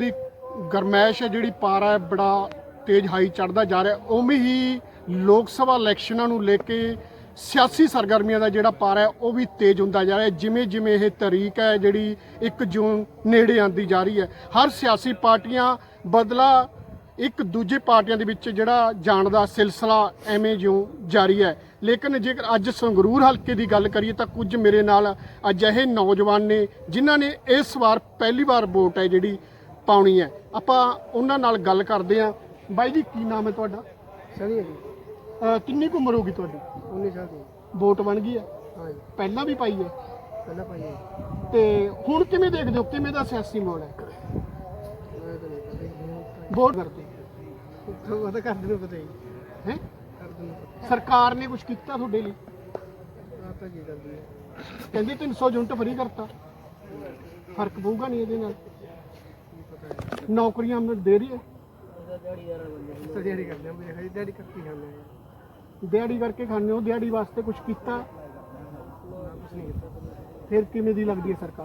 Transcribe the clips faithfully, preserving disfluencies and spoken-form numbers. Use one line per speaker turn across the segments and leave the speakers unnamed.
ਦੀ ਗਰਮੈਸ਼ ਹੈ ਜਿਹੜੀ ਪਾਰਾ ਹੈ ਬੜਾ ਤੇਜ਼ ਹਾਈ ਚੜ੍ਹਦਾ ਜਾ ਰਿਹਾ। ਉਵੇਂ ਹੀ ਲੋਕ ਸਭਾ ਇਲੈਕਸ਼ਨਾਂ ਨੂੰ ਲੈ ਕੇ ਸਿਆਸੀ ਸਰਗਰਮੀਆਂ ਦਾ ਜਿਹੜਾ ਪਾਰਾ ਹੈ ਉਹ ਵੀ ਤੇਜ਼ ਹੁੰਦਾ ਜਾ ਰਿਹਾ। ਜਿਵੇਂ ਜਿਵੇਂ ਇਹ ਤਰੀਕ ਹੈ ਜਿਹੜੀ ਇੱਕ ਜੂਨ ਨੇੜੇ ਆਉਂਦੀ ਜਾ ਰਹੀ ਹੈ, ਹਰ ਸਿਆਸੀ ਪਾਰਟੀਆਂ ਬਦਲਾ ਇੱਕ ਦੂਜੇ ਪਾਰਟੀਆਂ ਦੇ ਵਿੱਚ ਜਿਹੜਾ ਜਾਣ ਦਾ ਸਿਲਸਿਲਾ ਐਵੇਂ ਜਿਉਂ ਜਾਰੀ ਹੈ। ਲੇਕਿਨ ਜੇਕਰ ਅੱਜ ਸੰਗਰੂਰ ਹਲਕੇ ਦੀ ਗੱਲ ਕਰੀਏ ਤਾਂ ਕੁਝ ਮੇਰੇ ਨਾਲ ਅਜਿਹੇ ਨੌਜਵਾਨ ਨੇ ਜਿਨ੍ਹਾਂ ਨੇ ਇਸ ਵਾਰ ਪਹਿਲੀ ਵਾਰ ਵੋਟ ਹੈ ਜਿਹੜੀ ਪਾਉਣੀ ਹੈ। ਆਪਾਂ ਉਹਨਾਂ ਨਾਲ ਗੱਲ ਕਰਦੇ ਹਾਂ। ਬਾਈ ਜੀ, ਕੀ ਨਾਮ ਹੈ ਤੁਹਾਡਾ?
ਸਹੀ ਹੈ ਜੀ।
ਅਹ ਕਿੰਨੀ ਕੁ ਉਮਰ ਹੋ ਗਈ ਤੁਹਾਡੀ?
ਉੱਨੀ ਸਾਲ ਦੀ।
ਵੋਟ ਬਣ ਗਈ ਹੈ?
ਹਾਂ ਜੀ,
ਪਹਿਲਾਂ ਵੀ ਪਾਈ ਹੈ?
ਪਹਿਲਾਂ ਪਾਈ ਹੈ।
ਤੇ ਹੁਣ ਕਿਵੇਂ ਦੇਖਦੇ ਹੋ, ਕਿਵੇਂ ਦਾ ਸਿਆਸੀ ਮਾਹੌਲ ਹੈ?
ਮੈਂ ਤਾਂ ਨਹੀਂ ਪਤਾ ਜੀ।
ਵੋਟ ਕਰਦੇ
ਉਹ ਤਾਂ ਕਰਦੇ ਨੂੰ ਪਤਾ ਹੀ
ਹੈ?
ਕਰਦੇ ਨੂੰ ਪਤਾ।
ਸਰਕਾਰ ਨੇ ਕੁਝ ਕੀਤਾ ਤੁਹਾਡੇ ਲਈ?
ਆਹ ਤਾਂ ਕੀ ਕਰਦੀ ਹੈ।
ਕਹਿੰਦੇ ਤਿੰਨ ਸੌ ਯੂਨਿਟ ਫਰੀ ਕਰਤਾ, ਫਰਕ ਪਊਗਾ ਨਹੀਂ ਇਹਦੇ ਨਾਲ? ਨੌਕਰੀਆਂ ਦੇ ਰਹੀ ਹੈ?
ਤਾਂ ਦਿਹਾੜੀ ਕਰਦੇ ਹਾਂ ਮੇਰੇ, ਹਜੇ ਦਿਹਾੜੀ ਕਰਕੇ ਖਾਂਦੇ ਹਾਂ।
ਦਿਹਾੜੀ ਕਰਕੇ ਖਾਂਦੇ ਹੋ, ਦਿਹਾੜੀ ਵਾਸਤੇ ਕੁਝ ਕੀਤਾ?
ਕੁਛ ਨਹੀਂ ਕੀਤਾ।
ਫਿਰ ਕਿਵੇਂ ਦੀ ਲੱਗਦੀ ਹੈ ਸਰਕਾਰ?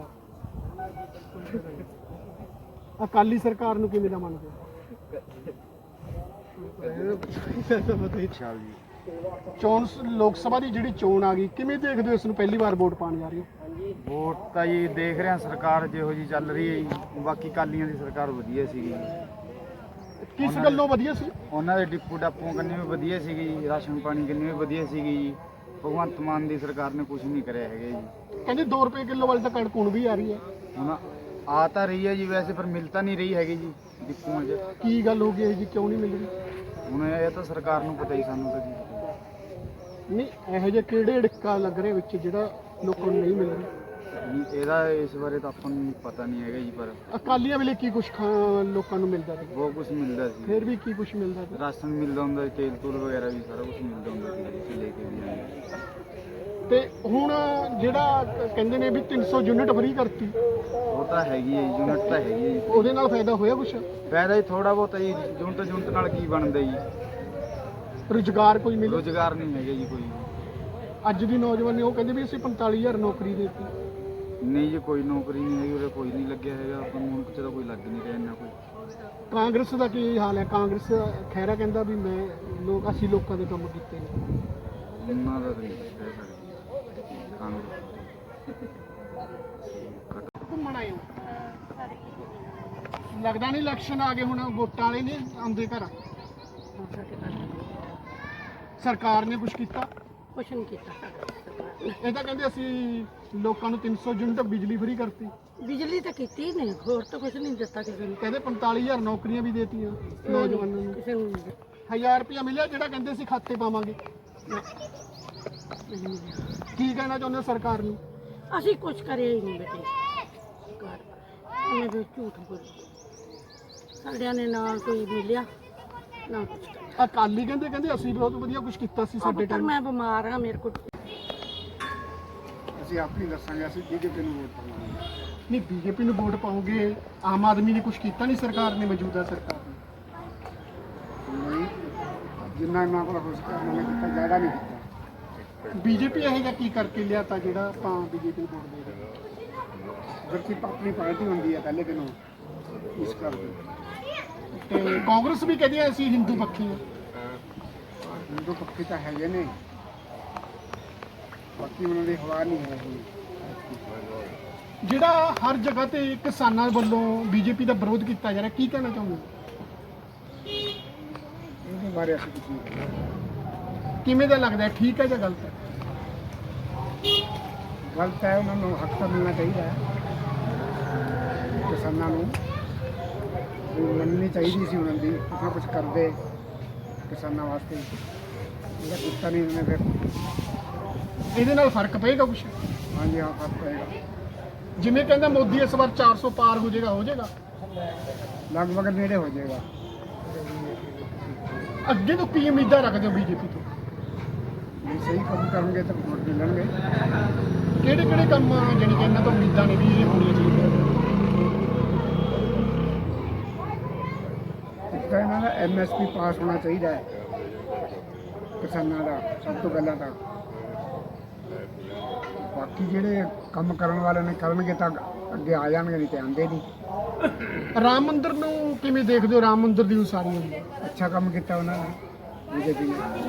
ਅਕਾਲੀ ਸਰਕਾਰ ਨੂੰ ਕਿਵੇਂ ਦਾ ਮੰਨਦੇ ਹੋ?
ਪਤਾ ਹੀ ਚਾਲ ਜੀ।
ਚੋਣ ਲੋਕ ਸਭਾ ਦੀ ਜਿਹੜੀ ਚੋਣ ਆ ਗਈ, ਕਿਵੇਂ ਦੇਖਦੇ ਹੋ ਇਸ ਨੂੰ? ਪਹਿਲੀ ਵਾਰ ਵੋਟ ਪਾਉਣ ਜਾ ਰਹੇ ਹੋ?
ਵੋਟ ਤਾਂ ਜੀ ਦੇਖ ਰਿਹਾ ਸਰਕਾਰ ਜਿਹੋ ਜੀ ਚੱਲ ਰਹੀ ਹੈ ਜੀ। ਬਾਕੀ ਕਾਲੀਆਂ ਦੀ ਸਰਕਾਰ ਵਧੀਆ ਸੀਗੀ,
ਕਿਸ ਗੱਲੋਂ ਵਧੀਆ ਸੀ?
ਉਹਨਾਂ ਦੇ ਡਿਪੂ ਡਾਪੂ ਕੰਨੀ ਵੀ ਵਧੀਆ ਸੀਗੀ ਜੀ, ਰਾਸ਼ਨ ਪਾਣੀ ਕੰਨੀ ਵੀ ਵਧੀਆ ਸੀਗੀ ਜੀ। ਭਗਵੰਤ ਮਾਨ ਦੀ ਸਰਕਾਰ ਨੇ ਕੁਝ ਨਹੀਂ ਕਰਿਆ ਹੈਗਾ ਜੀ।
ਕਹਿੰਦੇ ਦੋ ਰੁਪਏ ਕਿਲੋ ਵਾਲੀ ਤਾਂ ਕਣਕ ਹੁਣ ਵੀ ਆ ਰਹੀ ਹੈ।
ਹੁਣ ਆ ਤਾਂ ਰਹੀ ਹੈ ਜੀ ਵੈਸੇ, ਪਰ ਮਿਲ ਤਾਂ ਨਹੀਂ ਰਹੀ ਹੈਗੀ ਜੀ ਡਿਪੂਆਂ 'ਚ।
ਕੀ ਗੱਲ ਹੋ ਗਈ ਇਹ ਜੀ, ਕਿਉਂ ਨਹੀਂ ਮਿਲ ਰਹੀ?
ਹੁਣ ਇਹ ਤਾਂ ਸਰਕਾਰ ਨੂੰ ਪਤਾ ਹੀ, ਸਾਨੂੰ ਤਾਂ ਜੀ
ਨਹੀਂ, ਇਹੋ ਜਿਹੇ ਕਿਹੜੇ ਅੜਿੱਕਾ ਲੱਗ ਰਿਹਾ ਵਿੱਚ ਜਿਹੜਾ ਲੋਕਾਂ ਨੂੰ ਨਹੀਂ ਮਿਲ ਰਿਹਾ?
ਜੀ ਇਹਦਾ ਇਸ ਬਾਰੇ ਤਾਂ ਆਪਾਂ ਨੂੰ ਪਤਾ ਨਹੀਂ ਹੈਗਾ ਜੀ, ਪਰ
ਅਕਾਲੀਆਂ ਵੇਲੇ ਕੀ ਕੁਛ ਲੋਕਾਂ ਨੂੰ ਮਿਲਦਾ ਸੀ?
ਬਹੁਤ ਕੁਝ ਮਿਲਦਾ ਸੀ।
ਫਿਰ ਵੀ ਕੀ ਕੁਛ ਮਿਲਦਾ ਸੀ?
ਰਾਸ਼ਨ ਮਿਲਦਾ ਹੁੰਦਾ ਸੀ, ਤੇਲ ਤੂਲ ਵਗੈਰਾ ਵੀ ਸਾਰਾ ਕੁਝ ਮਿਲਦਾ ਹੁੰਦਾ ਸੀ, ਅਸੀਂ ਲੈ ਕੇ ਵੀ ਜਾਂਦੇ।
ਤੇ ਹੁਣ ਜਿਹੜਾ ਕਹਿੰਦੇ ਨੇ ਵੀ ਤਿੰਨ ਸੌ ਯੂਨਿਟ ਫਰੀ ਕਰਤੀ,
ਉਹ ਤਾਂ ਹੈਗੀ ਹੈ ਜੀ, ਯੂਨਿਟ ਤਾਂ ਹੈਗੀ ਹੈ ਜੀ।
ਉਹਦੇ ਨਾਲ ਫਾਇਦਾ ਹੋਇਆ ਕੁਛ?
ਫਾਇਦਾ ਹੀ ਥੋੜਾ ਬਹੁਤਾ ਜੀ। ਯੂਨਿਟ ਯੂਨਿਟ ਨਾਲ ਕੀ ਬਣਦਾ ਜੀ?
ਰੁਜ਼ਗਾਰ ਕੋਈ ਮਿਲੇ?
ਰੁਜ਼ਗਾਰ ਨਹੀਂ ਹੈਗਾ ਜੀ ਕੋਈ।
ਅੱਜ ਦੀ ਨੌਜਵਾਨ ਨੇ ਉਹ ਕਹਿੰਦੇ ਵੀ ਅਸੀਂ ਪੰਤਾਲੀ ਹਜ਼ਾਰ ਨੌਕਰੀ ਦੇਤੀ।
ਨਹੀਂ ਜੀ, ਕੋਈ ਨੌਕਰੀ ਨਹੀਂ ਹੈਗੀ ਉਰੇ, ਕੋਈ ਨਹੀਂ ਲੱਗਿਆ ਹੈਗਾ। ਆਪਾਂ ਨੂੰ ਕਿਤੇ ਤਾਂ ਕੋਈ ਲੱਗ ਨਹੀਂ ਰਿਹਾ ਇੰਨਾ ਕੋਈ।
ਕਾਂਗਰਸ ਦਾ ਕੀ ਹਾਲ ਹੈ? ਕਾਂਗਰਸ ਖੈਰਾ ਕਹਿੰਦਾ ਵੀ ਮੈਂ ਲੋਕ ਅਸੀਂ ਲੋਕਾਂ ਦੇ ਕੰਮ ਕੀਤੇ ਨੇ।
ਉਹਨਾਂ ਦਾ ਤਾਂ ਨਹੀਂ ਕਹਿ ਸਕਦੇ ਕਾਂਗਰਸ।
ਘੁੰਮਣ ਆਏ ਹੋ? ਲੱਗਦਾ ਨਹੀਂ ਇਲੈਕਸ਼ਨ ਆ ਗਏ, ਹੁਣ ਵੋਟਾਂ ਵਾਲੇ ਨਹੀਂ ਆਉਂਦੇ ਘਰ? ਸਰਕਾਰ ਨੇ ਕੁਝ ਕੀਤਾ?
ਕੁਛ ਨਹੀਂ ਕੀਤਾ।
ਇਹ ਤਾਂ ਕਹਿੰਦੇ ਅਸੀਂ ਲੋਕਾਂ ਨੂੰ ਤਿੰਨ ਸੌ ਯੂਨਿਟ ਬਿਜਲੀ ਫਰੀ ਕਰਤੀ।
ਬਿਜਲੀ ਤਾਂ ਕੀਤੀ ਨਹੀਂ, ਹੋਰ ਤਾਂ ਕੁਛ ਨਹੀਂ ਦਿੱਤਾ ਕਿਸੇ ਨੂੰ।
ਕਹਿੰਦੇ ਪੰਤਾਲੀ ਹਜ਼ਾਰ ਨੌਕਰੀਆਂ ਵੀ ਦੇਤੀਆਂ ਨੌਜਵਾਨਾਂ ਨੂੰ।
ਕਿਸੇ ਨੂੰ
ਹਜ਼ਾਰ ਰੁਪਇਆ ਮਿਲਿਆ ਜਿਹੜਾ ਕਹਿੰਦੇ ਸੀ ਖਾਤੇ ਪਾਵਾਂਗੇ। ਕੀ ਕਹਿਣਾ ਚਾਹੁੰਦੇ ਹੋ ਸਰਕਾਰ ਨੂੰ?
ਅਸੀਂ ਕੁਛ ਕਰਿਆ ਹੀ ਨਹੀਂ ਬੇਟੇ। ਉਹਨੇ ਵੀ ਝੂਠ ਬੋਲੀ, ਸਾਡਿਆਂ ਨੇ ਨਾ ਕੋਈ ਮਿਲਿਆ ਨਾ ਕੁਛ ਕਰਿਆ।
ਅਕਾਲੀ ਕਹਿੰਦੇ ਕਹਿੰਦੇ ਅਸੀਂ ਬਹੁਤ ਵਧੀਆ ਕੁਝ ਕੀਤਾ ਸੀ ਸਾਡੇ
ਪਰ
ਟਾਈਮ।
ਮੈਂ ਬਿਮਾਰ ਹਾਂ, ਮੇਰੇ ਕੋਲ
ਅਸੀਂ ਆਪਣੀ ਦੱਸਾਂਗੇ, ਅਸੀਂ ਬੀਜੇਪੀ ਨੂੰ ਵੋਟ ਪਾਵਾਂਗੇ। ਨਹੀਂ, ਬੀਜੇਪੀ ਨੂੰ ਵੋਟ ਪਾਓਗੇ? ਆਮ ਆਦਮੀ ਨੇ ਕੁਝ ਕੀਤਾ ਨਹੀਂ ਸਰਕਾਰ ਨੇ, ਮੌਜੂਦਾ ਸਰਕਾਰ ਨੇ?
ਜਿੰਨਾ ਇਹਨਾਂ ਕੋਲ ਹੋ ਸਕਿਆ ਉਹਨਾਂ ਨੇ ਕੀਤਾ, ਜ਼ਿਆਦਾ ਨਹੀਂ ਕੀਤਾ।
ਬੀਜੇਪੀ ਇਹੋ ਜਿਹਾ ਕੀ ਕਰਕੇ ਲਿਆ ਤਾਂ ਜਿਹੜਾ ਆਪਾਂ ਬੀਜੇਪੀ ਨੂੰ ਵੋਟ ਦੇ ਰਹੇ ਹਾਂ?
ਜਦਕਿ ਆਪਣੀ ਪਾਰਟੀ ਹੁੰਦੀ ਹੈ ਪਹਿਲੇ ਦਿਨੋਂ, ਇਸ ਕਰਕੇ।
ਤੇ ਕਾਂਗਰਸ ਵੀ ਕਹਿੰਦੀ ਹੈ ਅਸੀਂ ਹਿੰਦੂ ਪੱਖੀ ਹਾਂ।
ਹਿੰਦੂ ਪੱਖੀ ਤਾਂ ਹੈਗੇ ਨੇ, ਬਾਕੀ ਉਹਨਾਂ ਦੀ ਹਵਾ ਨਹੀਂ ਹੈ।
ਜਿਹੜਾ ਹਰ ਜਗ੍ਹਾ ਤੇ ਕਿਸਾਨਾਂ ਵੱਲੋਂ ਬੀਜੇਪੀ ਦਾ ਵਿਰੋਧ ਕੀਤਾ ਜਾ ਰਿਹਾ, ਕੀ ਕਹਿਣਾ ਚਾਹੁੰਦੇ?
ਇਹਦੇ ਬਾਰੇ ਅਸੀਂ ਕੁਝ ਨਹੀਂ ਕਹਿੰਦੇ।
ਕਿਵੇਂ ਦਾ ਲੱਗਦਾ, ਠੀਕ ਹੈ ਜਾਂ ਗਲਤ ਹੈ?
ਗਲਤ ਹੈ, ਉਹਨਾਂ ਨੂੰ ਹੱਕ ਤਾਂ ਮਿਲਣਾ ਚਾਹੀਦਾ ਹੈ। ਕਿਸਾਨਾਂ ਨੂੰ ਮੰਨਣੀ ਚਾਹੀਦੀ ਸੀ ਉਹਨਾਂ ਦੀ, ਕੁਛ ਕੁਝ ਕਰਦੇ ਕਿਸਾਨਾਂ ਵਾਸਤੇ। ਜਿਹੜਾ ਕੀਤਾ ਨਹੀਂ ਉਹਨੇ, ਫਿਰ
ਇਹਦੇ ਨਾਲ ਫਰਕ ਪਏਗਾ ਕੁਛ?
ਹਾਂਜੀ ਹਾਂ, ਫਰਕ ਪਏਗਾ।
ਜਿਵੇਂ ਕਹਿੰਦਾ ਮੋਦੀ ਇਸ ਵਾਰ ਚਾਰ ਸੌ ਪਾਰ ਹੋ ਜਾਏਗਾ, ਹੋ ਜਾਏਗਾ?
ਲਗਭਗ ਨੇੜੇ ਹੋ ਜਾਏਗਾ।
ਅੱਗੇ ਤੋਂ ਕੀ ਉਮੀਦਾਂ ਰੱਖਦੇ ਹੋ ਬੀਜੇਪੀ ਤੋਂ?
ਜੇ ਸਹੀ ਕੰਮ ਕਰਨਗੇ ਤਾਂ ਵੋਟ ਮਿਲਣਗੇ।
ਕਿਹੜੇ ਕਿਹੜੇ ਕੰਮ ਜਾਣੀ ਕਿ ਇਹਨਾਂ ਤੋਂ ਉਮੀਦਾਂ ਨੇ ਵੀ ਇਹ ਹੋਣੀਆਂ ਚਾਹੀਦੀਆਂ?
ਇੱਕ ਤਾਂ ਇਹਨਾਂ ਦਾ ਐਮ ਐਸ ਪੀ ਪਾਸ ਹੋਣਾ ਚਾਹੀਦਾ ਹੈ ਕਿਸਾਨਾਂ ਦਾ, ਸਭ ਤੋਂ ਪਹਿਲਾਂ ਤਾਂ। ਬਾਕੀ ਜਿਹੜੇ ਕੰਮ ਕਰਨ ਵਾਲੇ ਨੇ ਕਰਨਗੇ ਤਾਂ ਅੱਗੇ ਆ ਜਾਣਗੇ, ਨਹੀਂ ਤੇ ਆਉਂਦੇ ਨਹੀਂ।
ਰਾਮ ਮੰਦਿਰ ਨੂੰ ਕਿਵੇਂ ਦੇਖਦੇ ਹੋ? ਰਾਮ ਮੰਦਿਰ ਦੀ ਉਸਾਰੀ ਹੋਈ ਹੈ,
ਅੱਛਾ ਕੰਮ ਕੀਤਾ ਉਹਨਾਂ ਨੇ ਬੀਜੇਪੀ ਨੇ।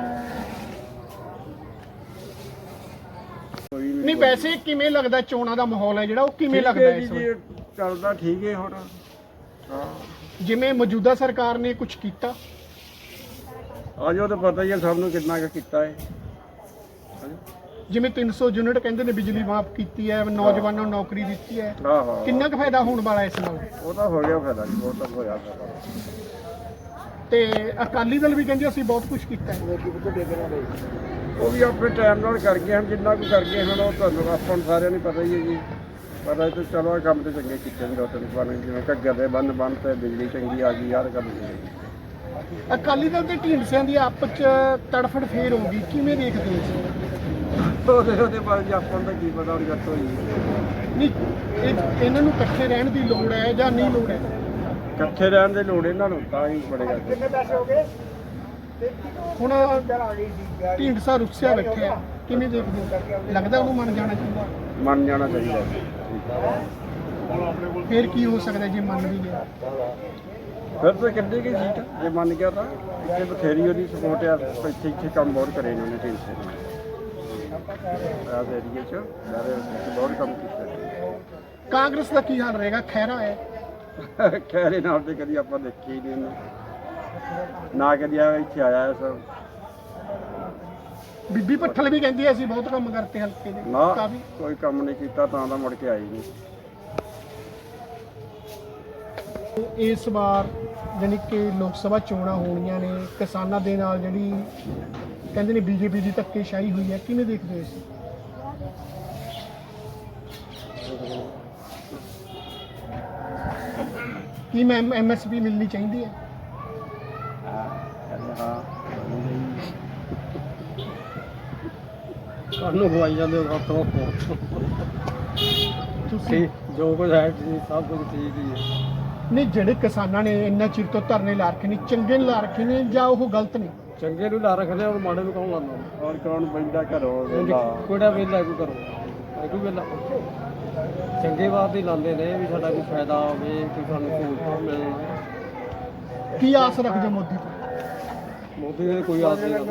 ਨਹੀਂ ਵੈਸੇ ਕਿਵੇਂ ਲੱਗਦਾ ਚੋਣਾਂ ਦਾ ਮਾਹੌਲ ਹੈ ਜਿਹੜਾ ਉਹ ਕਿਵੇਂ ਲੱਗਦਾ ਹੈ ਇਸ ਵੇਲੇ?
ਚੱਲਦਾ ਠੀਕ ਹੈ ਹੁਣ। ਹਾਂ
ਜਿਵੇਂ ਮੌਜੂਦਾ ਸਰਕਾਰ ਨੇ ਕੁਝ ਕੀਤਾ?
ਆਜੋ ਤਾਂ ਪਤਾ ਹੀ ਹੈ ਸਭ ਨੂੰ ਕਿੰਨਾ ਕੁ ਕੀਤਾ ਹੈ।
ਜਿਵੇਂ ਤਿੰਨ ਸੌ ਯੂਨਿਟ ਕਹਿੰਦੇ ਨੇ ਬਿਜਲੀ ਮਾਫ ਕੀਤੀ ਹੈ, ਨੌਜਵਾਨਾਂ ਨੂੰ ਨੌਕਰੀ ਦਿੱਤੀ ਹੈ,
ਹਾਂ ਹਾਂ
ਕਿੰਨਾ ਕੁ ਫਾਇਦਾ ਹੋਣ ਵਾਲਾ ਇਸ ਨਾਲ?
ਉਹ ਤਾਂ ਹੋ ਗਿਆ ਫਾਇਦਾ ਜੀ, ਬਹੁਤ ਤਾਂ ਹੋਇਆ ਫਾਇਦਾ।
ਤੇ ਅਕਾਲੀ ਦਲ ਵੀ ਕਹਿੰਦੇ ਅਸੀਂ ਬਹੁਤ ਕੁਝ ਕੀਤਾ ਹੈ।
ਉਹ ਵੀ ਆਪਣੇ ਟਾਈਮ ਨਾਲ ਕਰ ਗਏ ਹਨ, ਜਿੰਨਾ ਕੁ ਕਰ ਗਏ ਹਨ ਉਹ ਤੁਹਾਨੂੰ ਆਪਾਂ ਨੂੰ ਸਾਰਿਆਂ ਨੂੰ ਪਤਾ ਹੀ ਹੈ ਜੀ। ਪਤਾ ਤੇ ਚਲੋ ਇਹ ਕੰਮ ਤੇ ਚੰਗੇ ਕੀਤੇ ਨੇ ਦੋ ਤਿੰਨ ਬਣ, ਜਿਵੇਂ ਘੱਗਰ ਦੇ ਬੰਨ ਬੰਨ ਤੇ ਬਿਜਲੀ ਚੰਗੀ ਆ ਗਈ ਯਾਰ ਕੰਮ ਨਹੀਂ।
ਅਕਾਲੀ ਦਲ ਤੇ ਢੀਂਡਸਿਆਂ ਦੀ ਆਪਸ ਚ ਤੜਫੜ ਫੇਰ ਹੋ ਗਈ, ਕਿਵੇਂ ਦੇਖਦੇ ਹੋ ਇਸ?
ਉਹਦੇ ਉਹਦੇ ਬਾਰੇ ਜੀ ਆਪਾਂ ਨੂੰ ਤਾਂ ਕੀ ਪਤਾ ਹੁਣ ਗੱਟ ਹੋਈ
ਨਹੀਂ ਇਹ ਇਹਨਾਂ ਨੂੰ ਇਕੱਠੇ ਰਹਿਣ ਦੀ ਲੋੜ ਹੈ ਜਾਂ ਨਹੀਂ ਲੋੜ ਹੈ?
ਇਕੱਠੇ ਰਹਿਣ ਦੀ ਲੋੜ ਇਹਨਾਂ ਨੂੰ ਤਾਂ ਹੀ ਬੜੇਗਾ।
ਹੁਣ ਢੀਂਡਸਾ ਰੁੱਸਿਆ ਬੈਠਿਆ, ਕਿਵੇਂ ਦੇਖਦੇ ਹੋ? ਲੱਗਦਾ ਉਹਨੂੰ ਮੰਨ ਜਾਣਾ ਚਾਹੀਦਾ?
ਮੰਨ ਜਾਣਾ ਚਾਹੀਦਾ।
ਫੇਰ ਕੀ ਹੋ ਸਕਦਾ ਜੇ ਮੰਨ ਵੀ ਗਿਆ?
ਫਿਰ ਤਾਂ ਕਿੰਨੀ ਕੀ ਸੀਟ ਜੇ ਮੰਨ ਗਿਆ ਤਾਂ ਇੱਥੇ ਬਥੇਰੀ ਉਹਦੀ ਸਪੋਰਟ ਆ। ਇੱਥੇ ਇੱਥੇ ਕੰਮ ਬਹੁਤ ਕਰੇ ਇਹਨਾਂ ਨੇ ਢੀਂਡਸੇ ਨੇ ਰਾਜ ਏਰੀਏ 'ਚ ਸਾਰੇ ਬਹੁਤ ਕੰਮ ਕੀਤਾ।
ਕਾਂਗਰਸ ਦਾ ਕੀ ਹਾਲ ਰਹੇਗਾ? ਖਹਿਰਾ ਹੈ,
ਖੈਰੇ ਨਾਲ ਤੇ ਕਦੀ ਆਪਾਂ ਦੇਖੇ ਹੀ ਨਹੀਂ ਇਹਨੂੰ, ਨਾ ਕਦੀ ਆ ਇੱਥੇ ਆਇਆ ਹੈ ਸਭ।
ਬੀਬੀ ਭੱਠਲ ਵੀ ਕਹਿੰਦੀ ਹੈ ਅਸੀਂ ਬਹੁਤ ਕੰਮ ਕਰਤੇ ਹਲਕੇ ਦੇ।
ਨਾ
ਕਾਫੀ
ਕੋਈ ਕੰਮ ਨਹੀਂ ਕੀਤਾ ਤਾਂ ਤਾਂ ਮੁੜ ਕੇ ਆਈ ਨਹੀਂ।
ਇਸ ਵਾਰ ਜਾਣੀ ਕਿ ਲੋਕ ਸਭਾ ਚੋਣਾਂ ਹੋਣੀਆਂ ਨੇ, ਕਿਸਾਨਾਂ ਦੇ ਨਾਲ ਜਿਹੜੀ ਕਹਿੰਦੇ ਨੇ ਬੀਜੇਪੀ ਦੀ ਧੱਕੇਸ਼ਾਹੀ ਹੋਈ ਹੈ, ਕਿਵੇਂ ਦੇਖਦੇ ਹੋ ਇਸ? ਕੀ ਮੈਂ ਐਮ ਐਸ ਪੀ ਮਿਲਣੀ ਚਾਹੀਦੀ ਹੈ?
ਹਾਂ
ਕਾਨੂੰ ਖਵਾਈ ਜਾਂਦੇ ਹੋ ਸਭ ਤੋਂ
ਤੁਸੀਂ
ਜੋ ਕੁਝ ਹੈ ਜੀ ਸਭ ਕੁਝ ਠੀਕ ਹੀ ਹੈ।
ਨਹੀਂ ਜਿਹੜੇ ਕਿਸਾਨਾਂ ਨੇ ਇੰਨਾ ਚਿਰ ਤੋਂ ਧਰਨੇ ਲਾ ਰੱਖੇ ਨੇ, ਚੰਗੇ ਲਾ ਰੱਖੇ ਨੇ ਜਾਂ ਉਹ ਗਲਤ ਨੇ?
ਚੰਗੇ ਨੂੰ ਲਾ ਰੱਖਦੇ ਔਰ ਮਾੜੇ ਨੂੰ ਕੌਣ ਲਾਉਂਦਾ?
ਔਰ ਕੌਣ ਬੰਦਾ ਘਰੋਂ ਵੇਲਾ
ਕਿਹੜਾ ਵੇਲਾ ਕੋਈ ਕਰੋ ਕੋਈ ਵੇਲਾ ਚੰਗੇ ਵਾਸਤੇ ਹੀ ਲਾਉਂਦੇ ਨੇ ਵੀ ਸਾਡਾ ਕੋਈ ਫਾਇਦਾ ਹੋਵੇ, ਕੋਈ ਸਾਨੂੰ ਸਹੂਲਤ ਮਿਲੇ।
ਕੀ ਆਸ ਰੱਖਦੇ ਮੋਦੀ ਤੋਂ?
ਮੋਦੀ ਦੇ ਕੋਈ ਆਸ ਨਹੀਂ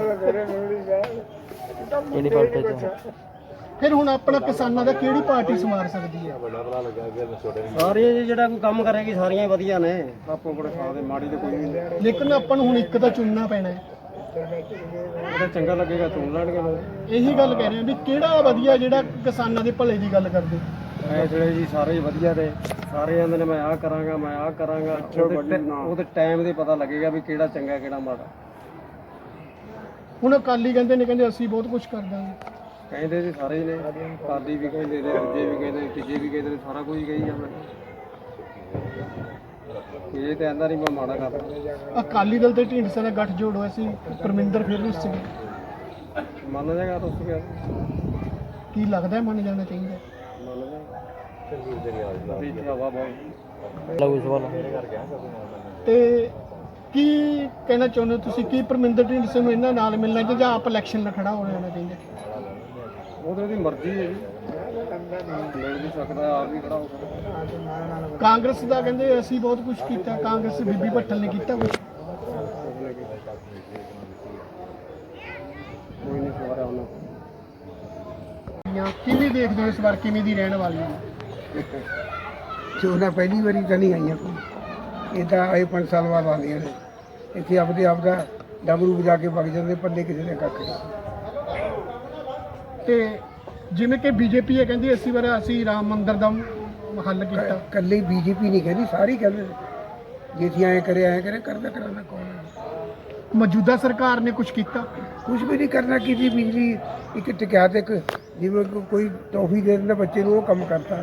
ਫਿਰ ਹੁਣ ਆਪਣਾ ਕਿਸਾਨਾਂ ਦਾ ਕਿਹੜੀ ਪਾਰਟੀ ਸੰਵਾਰ ਸਕਦੀ ਹੈ?
ਸਾਰੀਆਂ ਜੀ ਜਿਹੜਾ ਕੋਈ ਕੰਮ ਕਰੇਗੀ ਸਾਰੀਆਂ ਹੀ ਵਧੀਆ ਨੇ, ਆਪੋ ਆਪਣੇ ਖਾ ਦੇ ਮਾੜੀ ਤੇ ਕੋਈ ਨਹੀਂ।
ਲੇਕਿਨ ਆਪਾਂ ਨੂੰ ਹੁਣ ਇੱਕ ਤਾਂ ਚੁਣਨਾ ਪੈਣਾ ਹੈ।
ਜਿਹੜਾ ਚੰਗਾ ਲੱਗੇਗਾ ਚੁਣ ਲੈਣਗੇ ਲੋਕ।
ਇਹੀ ਗੱਲ ਕਹਿ ਰਹੇ ਹਾਂ ਵੀ ਕਿਹੜਾ ਵਧੀਆ ਜਿਹੜਾ ਕਿਸਾਨਾਂ ਦੇ ਭਲੇ ਦੀ ਗੱਲ ਕਰਦੇ।
ਐ ਜਿਹੜੇ ਜੀ ਸਾਰੇ ਹੀ ਵਧੀਆ ਨੇ, ਸਾਰੇ ਕਹਿੰਦੇ ਨੇ ਮੈਂ ਆਹ ਕਰਾਂਗਾ ਮੈਂ ਆਹ ਕਰਾਂਗਾ। ਉਹਦੇ ਟੈ- ਉਹਦੇ ਟਾਈਮ ਦੇ ਪਤਾ ਲੱਗੇਗਾ ਵੀ ਕਿਹੜਾ ਚੰਗਾ ਕਿਹੜਾ ਮਾੜਾ।
ਹੁਣ ਅਕਾਲੀ ਕਹਿੰਦੇ ਨੇ ਕਹਿੰਦੇ ਅਸੀਂ ਬਹੁਤ ਕੁਝ ਕਰ ਦਾਂਗੇ।
ਕਹਿੰਦੇ ਜੀ ਸਾਰੇ ਹੀ ਨੇ, ਕਾਲੀ ਵੀ ਕਹਿੰਦੇ ਨੇ, ਦੂਜੇ ਵੀ ਕਹਿੰਦੇ ਨੇ, ਤੀਜੇ ਵੀ ਕਹਿੰਦੇ ਨੇ, ਸਾਰਾ ਕੁਝ ਕਹੀ ਜਾਂਦਾ। ਇਹ ਤਾਂ ਕਹਿੰਦਾ ਨਹੀਂ ਮੈਂ ਮਾੜਾ ਕਰਦਾ।
ਅਕਾਲੀ ਦਲ ਤੇ ਢੀਂਡਸਾ ਦਾ ਗੱਠ ਜੋੜ ਹੋਇਆ ਸੀ, ਪਰਮਿੰਦਰ ਫਿਰ ਰੁੱਸ ਗਏ।
ਮੰਨ ਜਾਏਗਾ ਤਾਂ ਉਸ ਗਿਆ
ਕੀ ਲੱਗਦਾ ਮੰਨ ਜਾਣਾ ਚਾਹੀਦਾ?
ਮੰਨ ਜਾਏਗਾ ਚੰਗੀ ਇੱਥੇ ਹਵਾ ਬਹੁਤ
ਤੇ ਕੀ ਕਹਿਣਾ ਚਾਹੁੰਦੇ ਹੋ ਤੁਸੀਂ? ਕੀ ਪਰਮਿੰਦਰ ਢੀਂਡਸੇ ਨੂੰ ਇਹਨਾਂ ਨਾਲ ਮਿਲਣਾ ਚਾਹੀਦਾ ਜਾਂ ਆਪ ਇਲੈਕਸ਼ਨ ਨਾਲ ਖੜਾ ਹੋ ਜਾਣਾ ਚਾਹੀਦਾ?
ਉਹਦੇ ਦੀ ਮਰਜ਼ੀ ਹੈ ਜੀ, ਮਿਲ ਵੀ ਸਕਦਾ ਆਪ ਵੀ ਖੜਾ ਹੋ ਸਕਦਾ।
ਕਾਂਗਰਸ ਦਾ ਕਹਿੰਦੇ ਅਸੀਂ ਬਹੁਤ ਕੁਝ ਕੀਤਾ, ਕਾਂਗਰਸ ਬੀਬੀ ਭੱਠਲ ਨੇ ਕੀਤਾ ਕੁਝ?
ਕੋਈ ਨਹੀਂ ਸਵਾਰਿਆ ਉਹਨਾਂ
ਕਿਵੇਂ ਦੇਖਦੇ ਹੋ ਇਸ ਵਾਰ ਕਿਵੇਂ ਦੀ ਰਹਿਣ ਵਾਲੀ ਹੈ?
ਚੋਣਾਂ ਪਹਿਲੀ ਵਾਰੀ ਤਾਂ ਨਹੀਂ ਆਈਆਂ ਕੋਈ, ਇਹ ਤਾਂ ਆਏ ਪੰਜ ਸਾਲ ਬਾਅਦ ਆਉਂਦੀਆਂ ਨੇ। ਇੱਥੇ ਆਪਦੇ ਆਪ ਦਾ ਡਬਰੂ ਵਜਾ ਕੇ ਵਗ ਜਾਂਦੇ, ਪੱਲੇ ਕਿਸੇ ਨੇ ਕੱਖ ਨਹੀਂ।
ਤੇ ਜਿਵੇਂ ਕਿ ਬੀਜੇਪੀ ਹੈ ਕਹਿੰਦੀ ਅਸੀਂ ਵਾਰ ਅਸੀਂ ਰਾਮ ਮੰਦਿਰ ਦਾ ਹੱਲ ਕੀਤਾ।
ਇਕੱਲੇ ਬੀਜੇਪੀ ਨਹੀਂ ਕਹਿੰਦੀ, ਸਾਰੇ ਕਹਿੰਦੇ ਨੇ ਜੇ ਅਸੀਂ ਐਂ ਕਰੇ ਐਂ ਕਰੇ, ਕਰਦਾ ਕਰਾਉਣਾ ਕੌਣ ਹੈ?
ਮੌਜੂਦਾ ਸਰਕਾਰ ਨੇ ਕੁਝ ਕੀਤਾ?
ਕੁਝ ਵੀ ਨਹੀਂ ਕਰਨਾ। ਕੀਤੀ ਬਿਜਲੀ ਇੱਕ ਟਿਕਿਆ ਤੇ ਇੱਕ ਜਿਵੇਂ ਕੋ- ਕੋਈ ਟੋਫੀ ਦੇ ਦਿੰਦਾ ਬੱਚੇ ਨੂੰ, ਉਹ ਕੰਮ ਕਰਤਾ।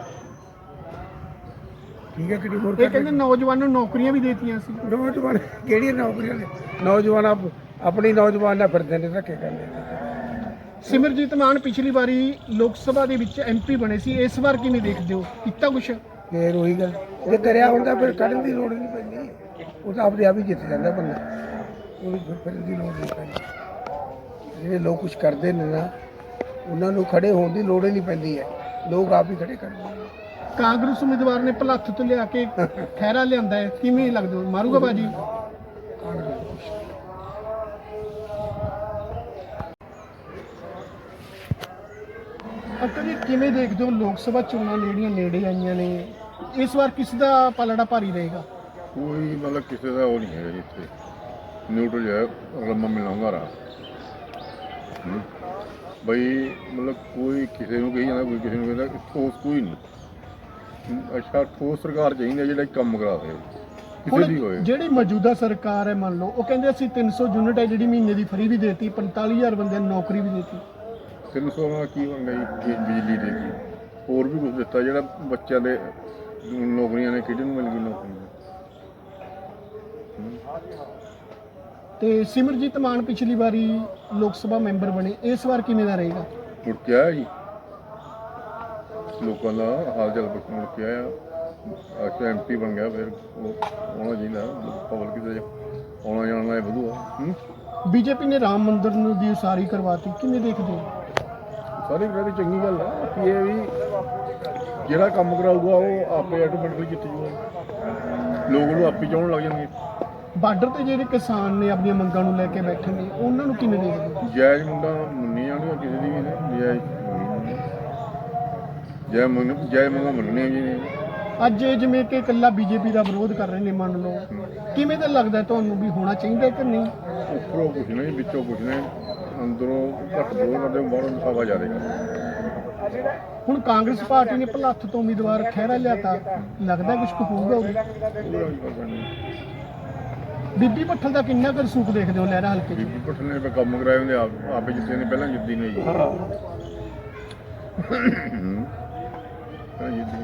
ਠੀਕ ਹੈ ਕਿਹੜੀ ਹੋਰ
ਇਹ ਕਹਿੰਦੇ ਨੌਜਵਾਨਾਂ ਨੂੰ ਨੌਕਰੀਆਂ ਵੀ ਦੇਤੀਆਂ ਸੀ।
ਨੌਜਵਾਨ ਕਿਹੜੀਆਂ ਨੌਕਰੀਆਂ ਨੇ? ਨੌਜਵਾਨ ਆਪ ਆਪਣੀ ਨੌਜਵਾਨ ਨਾਲ ਫਿਰਦੇ ਨੇ, ਧੱਕੇ ਕਰਦੇ ਨੇ।
ਸਿਮਰਜੀਤ ਮਾਨ ਪਿਛਲੀ ਵਾਰੀ ਲੋਕ ਸਭਾ ਦੇ ਵਿੱਚ ਐਮ ਪੀ ਬਣੇ ਸੀ, ਇਸ ਵਾਰ ਕਿਵੇਂ ਦੇਖਦੇ ਹੋ? ਕੀਤਾ ਕੁਛ?
ਫੇਰ ਉਹੀ ਗੱਲ, ਜੇ ਕਰਿਆ ਹੁੰਦਾ ਫਿਰ ਕੱਢਣ ਦੀ ਲੋੜ ਨਹੀਂ ਪੈਂਦੀ। ਉਹ ਤਾਂ ਆਪਦੇ ਆਪ ਹੀ ਜਿੱਤ ਜਾਂਦਾ ਬੰਦਾ, ਉਹਨੂੰ ਫਿਰ ਫਿਰਨ ਦੀ ਲੋੜ ਨਹੀਂ ਪੈਂਦੀ। ਜਿਹੜੇ ਲੋਕ ਕੁਛ ਕਰਦੇ ਨੇ ਨਾ, ਉਹਨਾਂ ਨੂੰ ਖੜੇ ਹੋਣ ਦੀ ਲੋੜ ਹੀ ਨਹੀਂ ਪੈਂਦੀ ਹੈ, ਲੋਕ ਆਪ ਹੀ ਖੜੇ ਕਰਦੇ ਨੇ।
ਕਾਂਗਰਸ ਉਮੀਦਵਾਰ ਨੇ ਭਲੱਥ ਤੋਂ ਲਿਆ ਕੇ ਖਹਿਰਾ ਲਿਆਂਦਾ ਹੈ, ਕਿਵੇਂ ਲੱਗਦਾ ਮਾਰੂਗਾ ਬਾਜੀ? ਅੰਕਲ ਜੀ ਕਿਵੇਂ ਦੇਖਦੇ ਹੋ ਲੋਕ ਸਭਾ ਚੋਣਾਂ ਜਿਹੜੀਆਂ ਨੇੜੇ ਆਈਆਂ ਨੇ, ਇਸ ਵਾਰ ਕਿਸ ਦਾ ਪਲੜਾ ਭਾਰੀ ਰਹੇਗਾ?
ਕੋਈ ਮਤਲਬ ਕਿਸੇ ਦਾ ਉਹ ਨਹੀਂ ਹੈਗਾ ਜੀ ਇੱਥੇ ਨਿਊਟਰਲ ਹੈ ਰਮਾ ਮਿਲਾਉਂਗਾ ਰਾ ਬਈ ਮਤਲਬ ਕੋਈ ਕਿਸੇ ਨੂੰ ਕਹੀ ਜਾਂਦਾ ਕੋਈ ਕਿਸੇ ਨੂੰ ਕਹਿੰਦਾ ਠੋਸ ਕੋਈ ਨਹੀਂ। ਅੱਛਾ ਠੋਸ ਸਰਕਾਰ ਚਾਹੀਦੀ ਜਿਹੜਾ ਕੰਮ ਕਰਾ ਦੇ ਕਿਸੇ ਦੀ ਹੋਏ।
ਹੁਣ ਜਿਹੜੀ ਮੌਜੂਦਾ ਸਰਕਾਰ ਹੈ ਮੰਨ ਲਓ ਉਹ ਕਹਿੰਦੇ ਅਸੀਂ ਤਿੰਨ ਸੌ ਯੂਨਿਟ ਹੈ ਜਿਹੜੀ ਮਹੀਨੇ ਦੀ ਫਰੀ ਵੀ ਦੇਤੀ, ਪੰਤਾਲੀ ਹਜ਼ਾਰ ਬੰਦਿਆਂ ਨੂੰ ਨੌਕਰੀ ਵੀ ਦੇਤੀ।
ਤਿੰਨ ਸੌ ਨਾਲ ਕੀ ਬਣ ਗਿਆ ਜੀ? ਬਿਜਲੀ ਦੇ ਕੀ ਹੋਰ ਵੀ ਕੁਝ ਦਿੱਤਾ ਜਿਹੜਾ ਬੱਚਿਆਂ ਦੇ ਨੌਕਰੀਆਂ ਨੇ ਕਿਹੜੇ ਨੂੰ ਮਿਲ ਗਈ ਨੌਕਰੀ?
ਤੇ ਸਿਮਰਜੀਤ ਮਾਨ ਪਿਛਲੀ ਵਾਰੀ ਲੋਕ ਸਭਾ ਮੈਂਬਰ ਬਣੇ, ਇਸ ਵਾਰ ਕਿਵੇਂ ਦਾ ਰਹੇਗਾ?
ਮੁੜ ਕੇ ਆਇਆ ਜੀ ਲੋਕਾਂ ਦਾ ਹਾਲ ਚਾਲ ਪੁੱਛਣ ਮੁੜ ਕੇ ਆਇਆ। ਅੱਛਾ ਐਮ ਪੀ ਬਣ ਗਿਆ ਫਿਰ ਉਹ ਆਉਣਾ ਚਾਹੀਦਾ ਪਬਲਿਕ ਦੇ ਆਉਣਾ ਜਾਣਾ ਇਹ ਵਧੂਆ। ਹੂੰ
ਬੀਜੇਪੀ ਨੇ ਰਾਮ ਮੰਦਿਰ ਨੂੰ ਦੀ ਉਸਾਰੀ ਕਰਵਾਤੀ, ਕਿਵੇਂ ਦੇਖਦੇ ਹੋ?
ਸਾਰੀ ਗੱਲ ਚੰਗੀ ਗੱਲ ਆ ਕਿ ਇਹ ਵੀ ਜਿਹੜਾ ਕੰਮ ਕਰਾਊਗਾ ਉਹ ਆਪੇ ਆਟੋਮੈਟਿਕਲੀ ਜਿੱਤ ਜੂਗਾ, ਲੋਕ ਉਹਨੂੰ ਆਪੇ ਚਾਹੁਣ ਲੱਗ ਜਾਣਗੇ।
ਬਾਰਡਰ ਤੇ ਜਿਹੜੇ ਕਿਸਾਨ ਨੇ ਆਪਣੀਆਂ ਮੰਗਾਂ ਨੂੰ ਲੈ ਕੇ ਬੈਠੇ ਨੇ ਉਹਨਾਂ ਨੂੰ ਕਿਵੇਂ ਦੇਖਦੇ ਹੋ?
ਜਾਇਜ਼ ਮੁੰਡਾ ਮੰਨੀ ਜਾਣਗੇ ਕਿਸੇ ਦੀ ਵੀ ਨੇ ਜਾਇਜ਼ ਜੈ ਮੰਨ ਜੈ ਮੰਗਾ ਮੰਨਣੇ ਜੀ ਨੇ।
ਅੱਜ ਇਹ ਜਿਵੇਂ ਕਿ ਇਕੱਲਾ ਬੀਜੇਪੀ ਦਾ ਵਿਰੋਧ ਕਰ ਰਹੇ ਨੇ ਮੰਨ ਲਓ, ਕਿਵੇਂ ਦਾ ਲੱਗਦਾ ਤੁਹਾਨੂੰ ਵੀ ਹੋਣਾ ਚਾਹੀਦਾ ਕਿ ਨਹੀਂ?
ਉੱਪਰੋਂ ਕੁਛ ਨਹੀਂ ਵਿੱਚੋਂ ਕੁਛ ਨਹੀਂ, ਅੰਦਰੋਂ ਘੱਟ ਵਿਰੋਧ ਕਰਦੇ ਬਾਹਰੋਂ ਦਿਖਾਵਾ ਜ਼ਿਆਦਾ ਕਰਦੇ।
ਹੁਣ ਕਾਂਗਰਸ ਪਾਰਟੀ ਨੇ ਭਲੱਥ ਤੋਂ ਉਮੀਦਵਾਰ ਖਹਿਰਾ ਲਿਆਤਾ, ਲੱਗਦਾ ਕੁਝ ਹੋਊਗਾ ਉਹ?
ਉਹਦਾ ਵੀ ਪਤਾ ਨਹੀਂ।
ਬੀਬੀ ਭੱਠਲ ਦਾ ਕਿੰਨਾ ਕੁ ਰਸੂਖ ਦੇਖਦੇ ਹੋ ਲਹਿਰਾ ਹਲਕੇ 'ਚ?
ਬੀਬੀ ਭੱਠਲ ਨੇ ਕੰਮ ਕਰਾਏ ਹੁੰਦੇ ਆਪ ਆਪੇ ਜਿੱਤੇ ਨੇ ਪਹਿਲਾਂ ਜਿੱਦੀ ਨੇ ਜੀ। ਪਹਿਲਾਂ ਜਿੱਤ